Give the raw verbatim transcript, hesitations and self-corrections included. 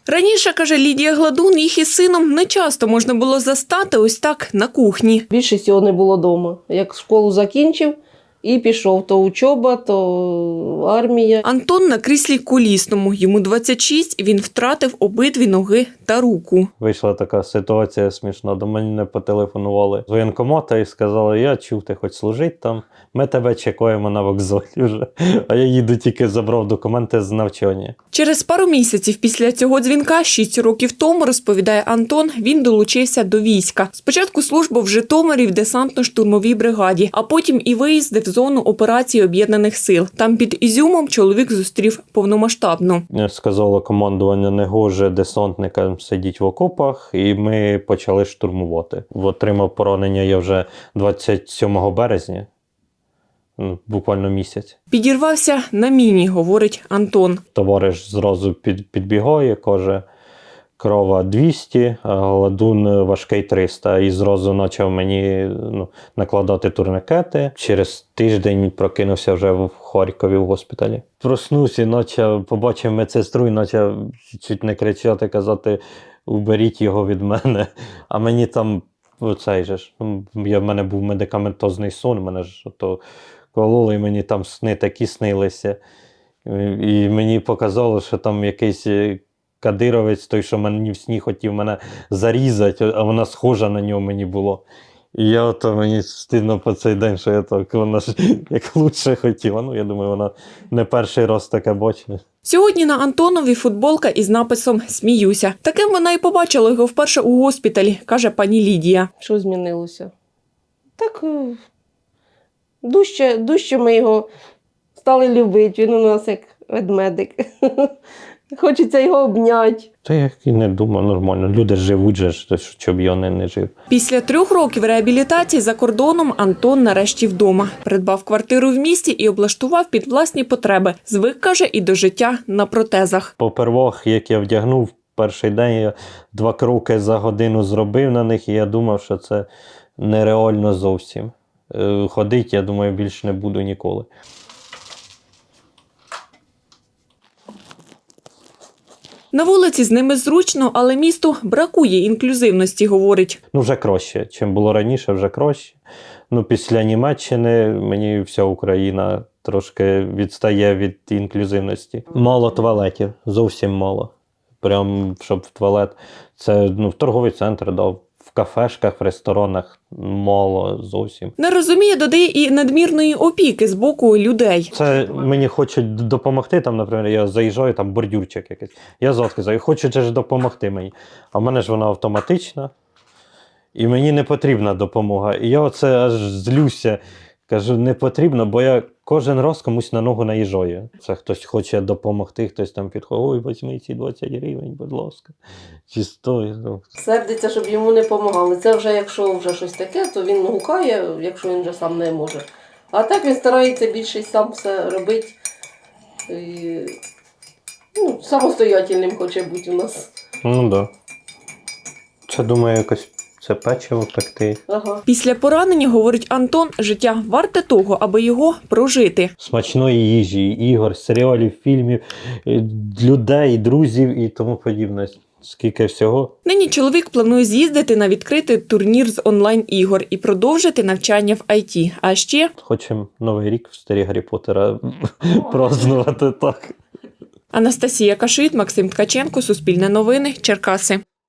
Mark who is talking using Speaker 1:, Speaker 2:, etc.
Speaker 1: Раніше, каже Лідія Гладун, їх із сином не часто можна було застати ось так на кухні.
Speaker 2: Більшість його не було вдома. Як школу закінчив і пішов, то учоба, то армія.
Speaker 1: Антон на кріслі колісному. Йому двадцять шість, він втратив обидві ноги та руку.
Speaker 3: Вийшла така ситуація смішна. До мене потелефонували з воєнкомата і сказали, я чув, ти хоч служить там, ми тебе чекаємо на вокзалі вже. А я їду, тільки забрав документи з навчання.
Speaker 1: Через пару місяців після цього дзвінка, шість років тому, розповідає Антон, він долучився до війська. Спочатку службу в Житомирі в десантно-штурмовій бригаді, а потім і виїзди в зону операції Об'єднаних сил. Там під Ізюмом чоловік зустрів повномасштабну.
Speaker 3: Сказало командування, не гоже десантникам сидіть в окопах, і ми почали штурмувати. Отримав поранення я вже двадцять сьомого березня, буквально місяць.
Speaker 1: Підірвався на міні, говорить Антон.
Speaker 3: Товариш зразу під, підбігає, каже, крова двісті, а Гладун важкий триста. І зразу почав мені ну, накладати турникети. Через тиждень прокинувся вже в Харкові в госпіталі. Проснувся і почав, побачив медсестру і почав чуть не кричати, казати, уберіть його від мене. А мені там, оцей же ж, я, в мене був медикаментозний сон, мене ж то кололи, і мені там сни такі снилися. І мені показало, що там якийсь кадировець, той, що мені в сні хотів мене зарізати, а вона схожа на нього мені було. І я ото, мені стидно по цей день, що я так, вона ж як лучше хотіла. Ну, я думаю, вона не перший раз таке бачить.
Speaker 1: Сьогодні на Антонові футболка із написом «Сміюся». Таким вона і побачила його вперше у госпіталі, каже пані Лідія.
Speaker 2: Що змінилося? Так, дужче, дужче ми його стали любити. Він у нас як ведмедик. Хочеться його обняти.
Speaker 3: Та я і не думаю, нормально. Люди живуть же, щоб я не, не жив.
Speaker 1: Після трьох років реабілітації за кордоном Антон нарешті вдома. Придбав квартиру в місті і облаштував під власні потреби. Звик, каже, і до життя на протезах.
Speaker 3: Попервах, як я вдягнув, перший день я два кроки за годину зробив на них, і я думав, що це нереально зовсім. Ходити, я думаю, більше не буду ніколи.
Speaker 1: На вулиці з ними зручно, але місту бракує інклюзивності, говорить.
Speaker 3: Ну, вже краще. Чим було раніше, вже краще. Ну, після Німеччини мені вся Україна трошки відстає від інклюзивності. Мало туалетів, зовсім мало. Прям, щоб в туалет. Це ну, в торговий центр дав. В кафешках, в ресторанах мало зовсім.
Speaker 1: Не розуміє, додає, і надмірної опіки з боку людей.
Speaker 3: Це мені хочуть допомогти, там, наприклад, я заїжджаю, там бордюрчик якийсь. Я заскизаю, хочуть ж допомогти мені. А в мене ж вона автоматична, і мені не потрібна допомога. І я оце аж злюся, кажу, не потрібно, бо я кожен раз комусь на ногу наїжджаю. Це хтось хоче допомогти, хтось там підходить, ой, візьми ці двадцять гривень, будь ласка. Чи сто.
Speaker 2: Сердиться, щоб йому не допомагали. Це вже, якщо вже щось таке, то він гукає, якщо він вже сам не може. А так він старається більше сам все робити. І, ну, самостоятельним хоче бути у нас.
Speaker 3: Ну так. Да. Це, думаю, якось це печиво пекти.
Speaker 2: Ага.
Speaker 1: Після поранення, говорить Антон, життя варте того, аби його прожити.
Speaker 3: Смачної їжі, ігор, серіалів, фільмів, людей, друзів і тому подібне. Скільки всього.
Speaker 1: Нині чоловік планує з'їздити на відкритий турнір з онлайн-ігор і продовжити навчання в ай ті. А ще...
Speaker 3: Хочемо Новий рік в стилі Гаррі Поттера празднувати так.
Speaker 1: Анастасія Кашит, Максим Ткаченко, Суспільне новини, Черкаси.